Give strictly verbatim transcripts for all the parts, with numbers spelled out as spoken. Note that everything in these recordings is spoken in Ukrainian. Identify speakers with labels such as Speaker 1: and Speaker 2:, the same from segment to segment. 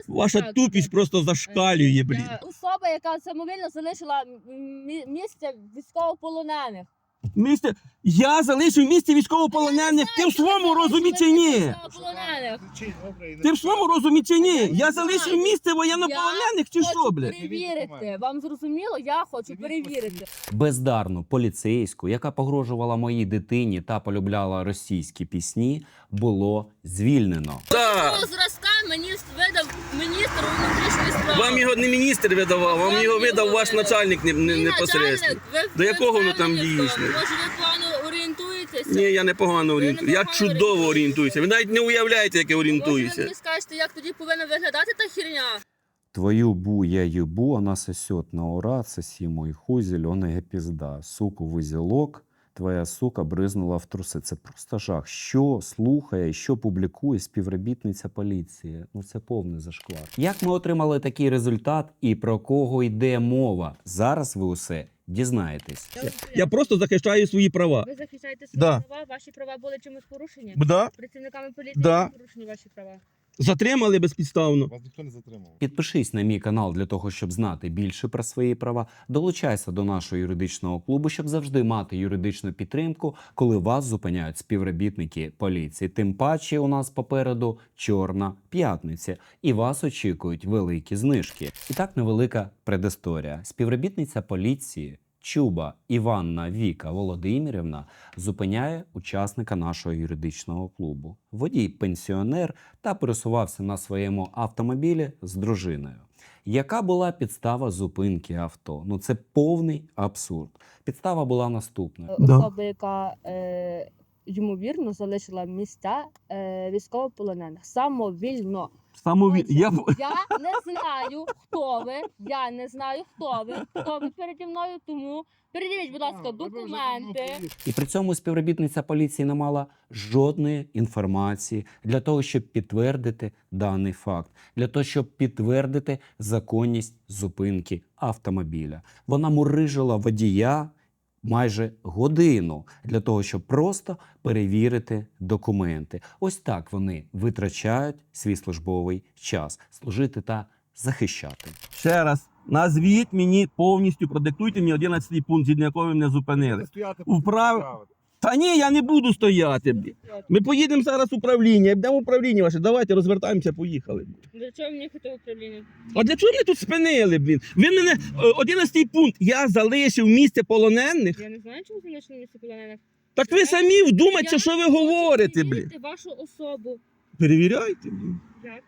Speaker 1: Ваша
Speaker 2: Так,
Speaker 1: тупість
Speaker 2: так.
Speaker 1: просто зашкалює, блін.
Speaker 2: Я- Особа, яка самовільно залишила мі- місце військовополонених.
Speaker 1: Місце, я залишив місце військовополонених, ти в своєму розумі чи ні?
Speaker 2: Військовополонених.
Speaker 1: Ти в своєму розумі чи ні? Я залишив місце воєннополонених чи що,
Speaker 2: Хочу
Speaker 1: блядь?
Speaker 2: перевірити. Вам зрозуміло? Я хочу перевірити.
Speaker 3: Бездарну поліцейську, яка погрожувала моїй дитині та полюбляла російські пісні, було звільнено.
Speaker 1: Так.
Speaker 2: Такого зразка мені видав міністр внутрішньої справи.
Speaker 1: Вам його не міністр видавав, вам
Speaker 2: Вам
Speaker 1: його
Speaker 2: його
Speaker 1: видав ваш
Speaker 2: видав.
Speaker 1: начальник не, не,
Speaker 2: Мій
Speaker 1: непосередньо.
Speaker 2: начальник, ви-
Speaker 1: До
Speaker 2: ви
Speaker 1: якого воно там
Speaker 2: впевнені в тому?
Speaker 1: дійсно?
Speaker 2: Може, ви погано орієнтуєтеся?
Speaker 1: Ні, я непогано орієнтуюся. Я
Speaker 2: непогано
Speaker 1: чудово
Speaker 2: орієнтуєтеся.
Speaker 1: орієнтуюся. Ви навіть не уявляєте, як я
Speaker 2: Може, ви
Speaker 1: орієнтуюся.
Speaker 2: мені скажете, як тоді повинна виглядати та херня?
Speaker 3: Твою бу, я ебу, она сосет на ура, соси мой хуй, зеленая пизда. Суку в узілок, твоя сука бризнула в труси. Це просто жах. Що слухає, що публікує співробітниця поліції? Ну це повний зашквар. Як ми отримали такий результат і про кого йде мова? Зараз ви усе дізнаєтесь.
Speaker 1: Я просто захищаю свої права.
Speaker 2: Ви захищаєте свої
Speaker 1: Да.
Speaker 2: права, ваші права були чимось порушені?
Speaker 1: Да?
Speaker 2: Працівниками поліції
Speaker 1: Да.
Speaker 2: були порушені ваші права?
Speaker 1: Затримали безпідставно.
Speaker 4: Вас ніхто не затримав.
Speaker 3: Підпишись на мій канал для того, щоб знати більше про свої права. Долучайся до нашого юридичного клубу, щоб завжди мати юридичну підтримку, коли вас зупиняють співробітники поліції. Тим паче у нас попереду Чорна п'ятниця, і вас очікують великі знижки. І так невелика предісторія. Співробітниця поліції Чуба Іванна Віка Володимирівна зупиняє учасника нашого юридичного клубу. Водій пенсіонер та пересувався на своєму автомобілі з дружиною. Яка була підстава зупинки авто? Ну це повний абсурд. Підстава була наступною.
Speaker 1: Да.
Speaker 2: Особа, яка е, ймовірно залишила місця е, військовополонених самовільно.
Speaker 1: Самові... Я...
Speaker 2: Я не знаю, хто ви. Я не знаю, хто ви. Хто ви переді мною, тому передивіть, будь ласка, документи.
Speaker 3: І при цьому співробітниця поліції не мала жодної інформації для того, щоб підтвердити даний факт, для того, щоб підтвердити законність зупинки автомобіля. Вона мурижила водія майже годину для того, щоб просто перевірити документи. Ось так вони витрачають свій службовий час – служити та захищати.
Speaker 1: Ще раз, назвіть мені повністю, продиктуйте мені одинадцятий пункт, згідно якого ви мене зупинили.
Speaker 4: Стояти,
Speaker 1: Вправ-
Speaker 4: вправити.
Speaker 1: Та ні, я не буду стояти. блін. Ми поїдемо зараз в управління, йдемо в управління ваше, давайте розвертаємося, поїхали.
Speaker 2: Для чого мені хотів управління?
Speaker 1: А для чого мене тут спинили, блін? Ви мене, е, одинадцятий пункт, я залишив місце полонених.
Speaker 2: Я не знаю, чому залишили місце полонених.
Speaker 1: Так ви самі вдумайтеся,
Speaker 2: Я
Speaker 1: що ви
Speaker 2: хочу
Speaker 1: говорите, блін.
Speaker 2: перевірити вашу особу.
Speaker 1: Перевіряйте, блін.
Speaker 2: Як?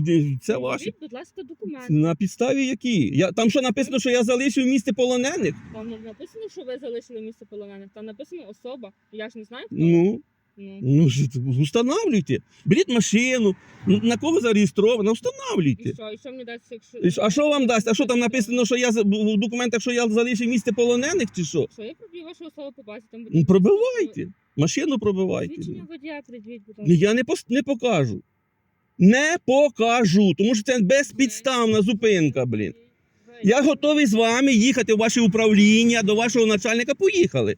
Speaker 1: Це ваше.
Speaker 2: Перевіріть, будь ласка, документи.
Speaker 1: На підставі які? Я, там що написано, що я залишив місце полонених?
Speaker 2: Там не написано, що ви залишили місце полонених. Там написано особа. Я ж не знаю, хто.
Speaker 1: Ну,
Speaker 2: Ну.
Speaker 1: ну ж, устанавлюйте. Беріть машину, на кого зареєстровано,
Speaker 2: І
Speaker 1: устанавлюйте.
Speaker 2: що? І що мені дасть, якщо...
Speaker 1: І що- А що вам дасть? А що там написано, що я за- в документах, що я залишив місце полонених, чи що?
Speaker 2: Що я проб'ю вашу особу по базі? Там
Speaker 1: Ну, пробивайте. Машину пробивайте.
Speaker 2: Свідчення водія придвіть, будь ласка.
Speaker 1: Я не, пос- не покажу. Не покажу, тому що це безпідставна зупинка, блін.
Speaker 2: Ви-
Speaker 1: Я готовий з вами їхати в ваше управління, до вашого начальника. Поїхали.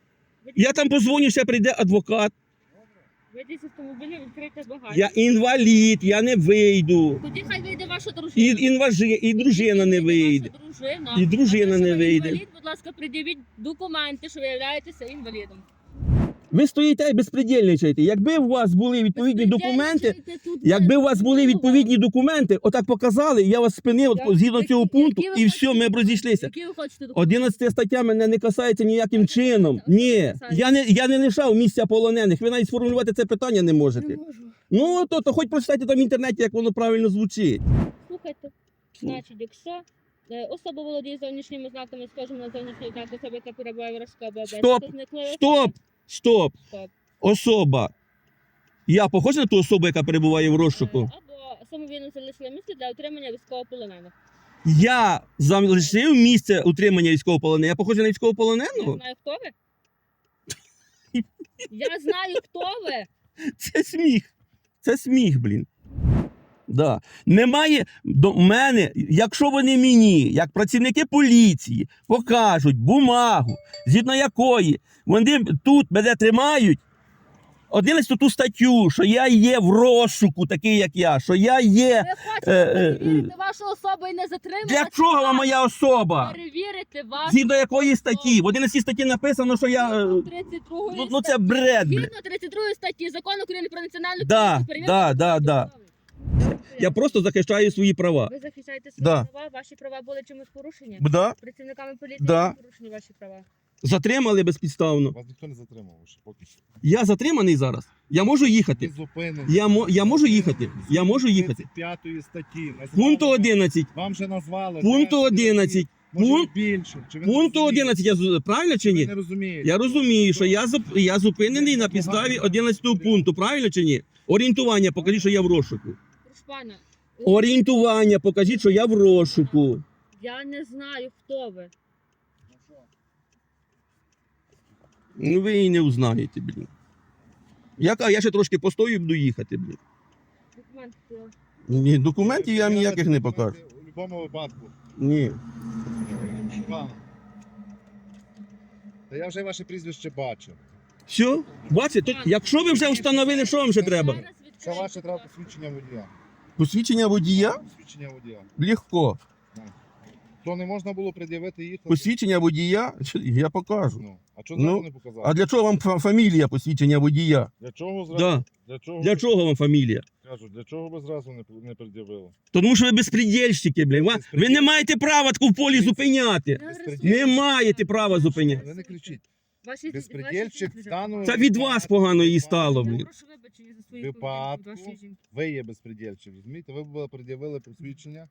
Speaker 1: Я там позвоню, ще прийде адвокат.
Speaker 2: Вийдіть з автомобіля, відкрийте багажник.
Speaker 1: Я інвалід, я не вийду.
Speaker 2: Тоді хай вийде ваша
Speaker 1: І,
Speaker 2: дружина.
Speaker 1: інважи, і дружина не вийде.
Speaker 2: Ваша дружина.
Speaker 1: І дружина
Speaker 2: А те,
Speaker 1: не
Speaker 2: що ви
Speaker 1: вийде.
Speaker 2: Інвалід, будь ласка, пред'явіть документи, що ви являєтеся інвалідом.
Speaker 1: Ви стоїте і безпредельничаєте. Якби у вас були відповідні документи,
Speaker 2: Безпредельничайте тут,
Speaker 1: якби у вас
Speaker 2: ви-
Speaker 1: були відповідні документи, отак показали, я вас спинив
Speaker 2: Я-
Speaker 1: згідно
Speaker 2: які-
Speaker 1: цього пункту,
Speaker 2: які ви
Speaker 1: і все,
Speaker 2: хочете
Speaker 1: ми б
Speaker 2: документи?
Speaker 1: розійшлися.
Speaker 2: Які ви хочете документи?
Speaker 1: одинадцята стаття мене не касається ніяким чином. Ні, я не, я не лишав місця полонених. Ви навіть сформулювати це питання не можете.
Speaker 2: Не можу.
Speaker 1: Ну, то, то хоч прочитайте там в інтернеті, як воно правильно звучить.
Speaker 2: Слухайте, значить, якщо е, особа володіє зовнішніми знаками, схожими на зовнішній знак особи, яка перебуває в розшуку або
Speaker 1: Стоп!
Speaker 2: обов'язку, зникли
Speaker 1: Стоп! Стоп!
Speaker 2: Стоп.
Speaker 1: Особа. Я похож на ту особу, яка перебуває в розшуку?
Speaker 2: Е, або самовільно залишили місце для отримання військовополонених.
Speaker 1: Я залишив місце утримання військовополоненого. Я похожий на
Speaker 2: Я
Speaker 1: військовополоненого?
Speaker 2: знаю, хто ви. Я знаю, хто ви.
Speaker 1: Це сміх. Це сміх, блін. Да. Немає до мене, якщо вони мені, як працівники поліції, покажуть бумагу, згідно якої вони тут мене тримають, одинадцяту ту статтю, що я є в розшуку, такий як я, що я є.
Speaker 2: Ви хочете
Speaker 1: Е, е,
Speaker 2: перевірити вашу особу і не затримати?
Speaker 1: Для чого вам моя особа?
Speaker 2: Перевірити вашу
Speaker 1: Згідно якої
Speaker 2: особу.
Speaker 1: статті? В одинадцятій статті написано, що я. е,
Speaker 2: Згідно тридцять другої
Speaker 1: Ну, ну це
Speaker 2: статті.
Speaker 1: бред, блядь.
Speaker 2: Згідно тридцять другої статті Закону України про національну
Speaker 1: Да,
Speaker 2: поліцію, перевірка
Speaker 1: да, да,
Speaker 2: вашої
Speaker 1: да.
Speaker 2: особи.
Speaker 1: Я просто захищаю свої права.
Speaker 2: Ви захищаєте свої
Speaker 1: Да.
Speaker 2: права, ваші права були чимось порушені?
Speaker 1: Да?
Speaker 2: Працівниками поліції
Speaker 1: Да.
Speaker 2: були порушені ваші права?
Speaker 1: Затримали безпідставно.
Speaker 4: Вас ніхто не затримав ще поки що.
Speaker 1: Я затриманий зараз. Я можу
Speaker 4: Ви
Speaker 1: їхати.
Speaker 4: зупинені.
Speaker 1: Я, мо- я можу їхати. Я можу їхати.
Speaker 4: тридцять п'ятої статті. Назвали
Speaker 1: Пункту
Speaker 4: вам-
Speaker 1: одинадцять.
Speaker 4: Вам вже назвали.
Speaker 1: Пункту
Speaker 4: тридцять
Speaker 1: одинадцять.
Speaker 4: Може
Speaker 1: Пункт-
Speaker 4: більше. Чи ви не
Speaker 1: Пункту
Speaker 4: розумієте?
Speaker 1: одинадцять. Я з- правильно чи
Speaker 4: Ви
Speaker 1: ні?
Speaker 4: не розумієте.
Speaker 1: Я розумію, що я, зуп- я зупинений на підставі одинадцятого пункту. Правильно чи ні? Орієнтування, покажіть, що я в розшуку.
Speaker 2: Прошу пана,
Speaker 1: Орієнтування, покажіть, що я в розшуку.
Speaker 2: я не знаю, хто ви.
Speaker 1: Ну ви і не узнаєте, блін. Я, ка- я ще трошки постою і буду їхати, блін.
Speaker 2: Документи. хто?
Speaker 1: Ні, документів я вам ніяких не покажу.
Speaker 4: У будь-якому випадку.
Speaker 1: Ні.
Speaker 4: Пане. Та я вже ваше прізвище бачив.
Speaker 1: Все? Бачите, то, якщо ви вже встановили, що вам ще треба?
Speaker 2: Зараз
Speaker 4: Що
Speaker 2: відкрию.
Speaker 4: ваше треба посвідчення водія?
Speaker 1: Посвідчення водія?
Speaker 4: Посвідчення водія.
Speaker 1: Легко.
Speaker 4: То не можна було пред'явити їхати?
Speaker 1: Посвідчення водія? Я покажу.
Speaker 4: Ну, а чого
Speaker 1: Ну,
Speaker 4: зразу не показали?
Speaker 1: А для чого вам фа- фамілія посвідчення водія?
Speaker 4: Для чого зразу?
Speaker 1: Да.
Speaker 4: Для чого?
Speaker 1: Для
Speaker 4: ви-
Speaker 1: чого вам фамілія?
Speaker 4: Кажу, для чого ви зразу не, не пред'явили?
Speaker 1: Тому що ви безпредельщики, блін. Ва- Ви не маєте права таку в полі зупиняти.
Speaker 2: Я
Speaker 4: Безпреділ.
Speaker 1: Не маєте права зупиняти.
Speaker 4: Ви не кричіть.
Speaker 2: Ваші-
Speaker 4: Безпредельщик
Speaker 2: ваші-
Speaker 4: стану...
Speaker 1: Це від вас погано їй стало,
Speaker 2: Я
Speaker 1: блін.
Speaker 2: прошу вибачення за свої
Speaker 4: Випадку.
Speaker 2: поведінки від вашої жінки.
Speaker 4: Ви є безпредельщик, розумієте? Ви були пред'явили посвідчення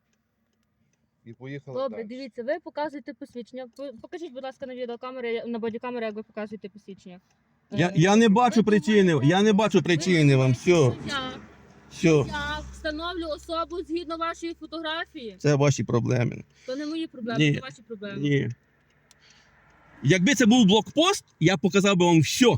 Speaker 4: і поїхали
Speaker 2: Добре,
Speaker 4: далі.
Speaker 2: дивіться, ви показуєте посвідчення. Ви- Покажіть, будь ласка, на відеокамери, на бодікамери, як ви показуєте посвідчення.
Speaker 1: Я,
Speaker 2: Е,
Speaker 1: я не бачу
Speaker 2: ви
Speaker 1: причини.
Speaker 2: думаєте-
Speaker 1: Я не бачу причини вам. Все.
Speaker 2: Я,
Speaker 1: Все.
Speaker 2: я встановлю особу згідно вашої фотографії.
Speaker 1: Це ваші проблеми.
Speaker 2: То не мої проблеми,
Speaker 1: Ні.
Speaker 2: це ваші проблеми.
Speaker 1: Ні. Якби це був блокпост, я показав би вам все.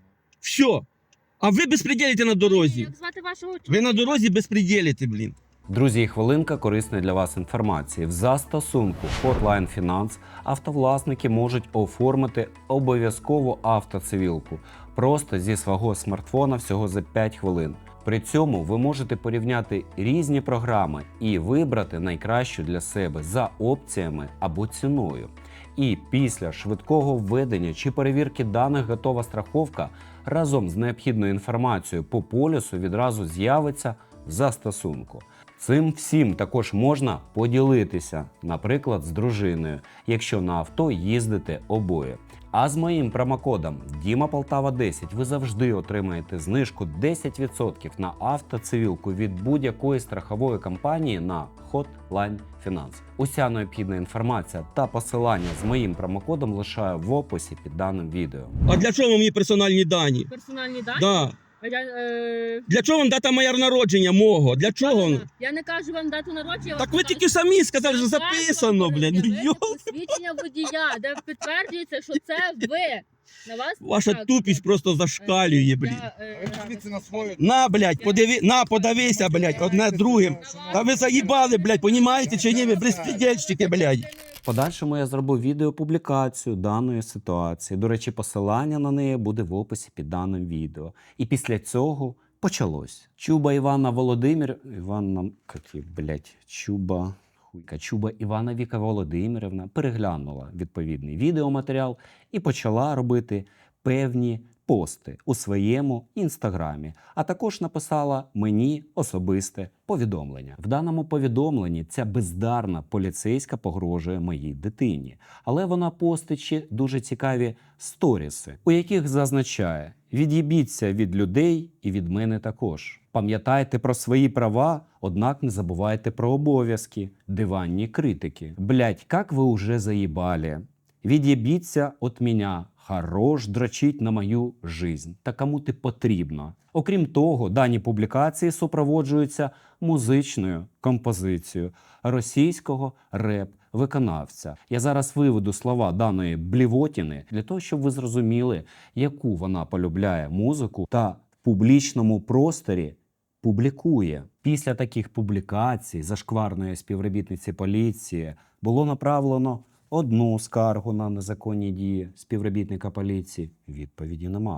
Speaker 1: Все. А ви безпреділите на дорозі.
Speaker 2: Як звати вашого
Speaker 1: Ви
Speaker 2: чоловіка?
Speaker 1: на дорозі безпреділите, блін.
Speaker 3: Друзі, і хвилинка корисної для вас інформації. В застосунку Hotline Finance автовласники можуть оформити обов'язкову автоцивілку просто зі свого смартфона всього за п'ять хвилин. При цьому ви можете порівняти різні програми і вибрати найкращу для себе за опціями або ціною. І після швидкого введення чи перевірки даних готова страховка разом з необхідною інформацією по полісу відразу з'явиться в застосунку. Цим всім також можна поділитися, наприклад, з дружиною, якщо на авто їздите обоє. А з моїм промокодом Діма Полтава десять ви завжди отримаєте знижку десять відсотків на автоцивілку від будь-якої страхової компанії на Hotline Finance. Уся необхідна інформація та посилання з моїм промокодом лишаю в описі під даним відео.
Speaker 1: А для чого вам мені персональні дані?
Speaker 2: Персональні дані?
Speaker 1: Да.
Speaker 2: А я, е...
Speaker 1: Для чого вам дата моя народження мого? Для чого?
Speaker 2: Я не кажу вам дату народження.
Speaker 1: Так ви тільки самі сказали, що записано, блін. Ну, йо.
Speaker 2: Посвідчення водія, де підтверджується, що це ви. На вас
Speaker 1: Ваша
Speaker 2: так,
Speaker 1: тупість просто
Speaker 2: е,
Speaker 1: зашкалює, блін.
Speaker 2: я, е,
Speaker 4: А ви подивіться на свою...
Speaker 1: На, блядь, подиви, на, подивися, блядь, одне другим. Та ви заїбали, блядь, понімаєте чи ні? Ви безпредельщики, блядь.
Speaker 3: В подальшому я зроблю відеопублікацію даної ситуації. До речі, посилання на неї буде в описі під даним відео. І після цього почалось. Чуба Івана Володимир... Іванна... Какі, блядь, Чуба... Хуйка. Чуба Івана Віка Володимирівна переглянула відповідний відеоматеріал і почала робити певні пости у своєму інстаграмі, а також написала мені особисте повідомлення. В даному повідомленні ця бездарна поліцейська погрожує моїй дитині, але вона постить ще дуже цікаві сторіси, у яких зазначає: від'їбіться від людей і від мене також. Пам'ятайте про свої права, однак не забувайте про обов'язки. Диванні критики. Блять, як ви уже заїбали. Від'єбіться от меня. Хорош дрочить на мою жизнь. Та кому ти потрібно. Окрім того, дані публікації супроводжуються музичною композицією російського реп-виконавця. Я зараз виведу слова даної блівотіни для того, щоб ви зрозуміли, яку вона полюбляє музику та в публічному просторі публікує. Після таких публікацій зашкварної співробітниці поліції було направлено одну скаргу на незаконні дії співробітника поліції. Відповіді нема.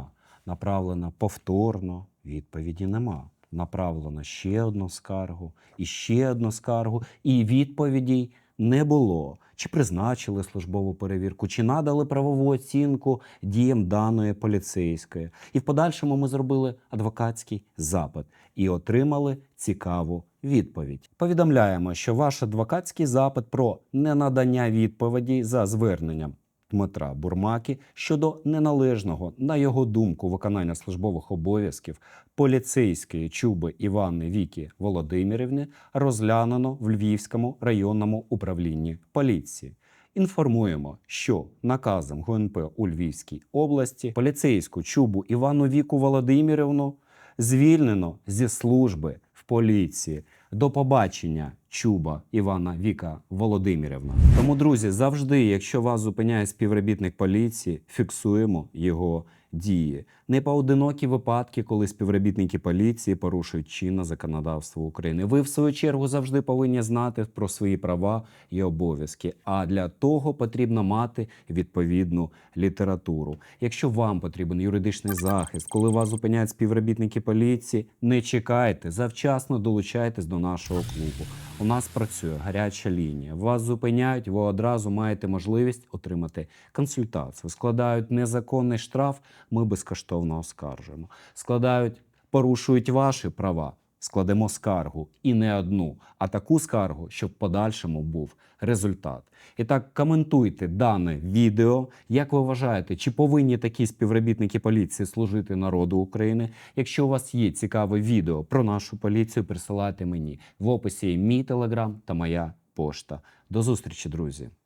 Speaker 3: направлено повторно, відповіді нема. Направлено ще одну скаргу і ще одну скаргу, і відповідей не було. Чи призначили службову перевірку, чи надали правову оцінку діям даної поліцейської. І в подальшому ми зробили адвокатський запит і отримали цікаву відповідь. Повідомляємо, що ваш адвокатський запит про ненадання відповіді за зверненням Дмитра Бурмаки щодо неналежного, на його думку, виконання службових обов'язків поліцейської Чуби Івани Віки Володимирівни розглянено в Львівському районному управлінні поліції. Інформуємо, що наказом Г Н П у Львівській області поліцейську Чубу Івану Віку Володимирівну звільнено зі служби в поліції. До побачення, Чуба Івана Віка Володимирівна. Тому, друзі, завжди, якщо вас зупиняє співробітник поліції, фіксуємо його дії. Непоодинокі випадки, коли співробітники поліції порушують чинне законодавство України. Ви, в свою чергу, завжди повинні знати про свої права і обов'язки. А для того потрібно мати відповідну літературу. Якщо вам потрібен юридичний захист, коли вас зупиняють співробітники поліції, не чекайте, завчасно долучайтесь до нашого клубу. У нас працює гаряча лінія. Вас зупиняють, ви одразу маєте можливість отримати консультацію. Складають незаконний штраф, ми безкоштовно оскаржуємо. Складають, порушують ваші права, складемо скаргу. І не одну, а таку скаргу, щоб в подальшому був результат. І так, коментуйте дане відео. Як ви вважаєте, чи повинні такі співробітники поліції служити народу України? Якщо у вас є цікаве відео про нашу поліцію, присилайте мені. В описі є мій телеграм та моя пошта. До зустрічі, друзі!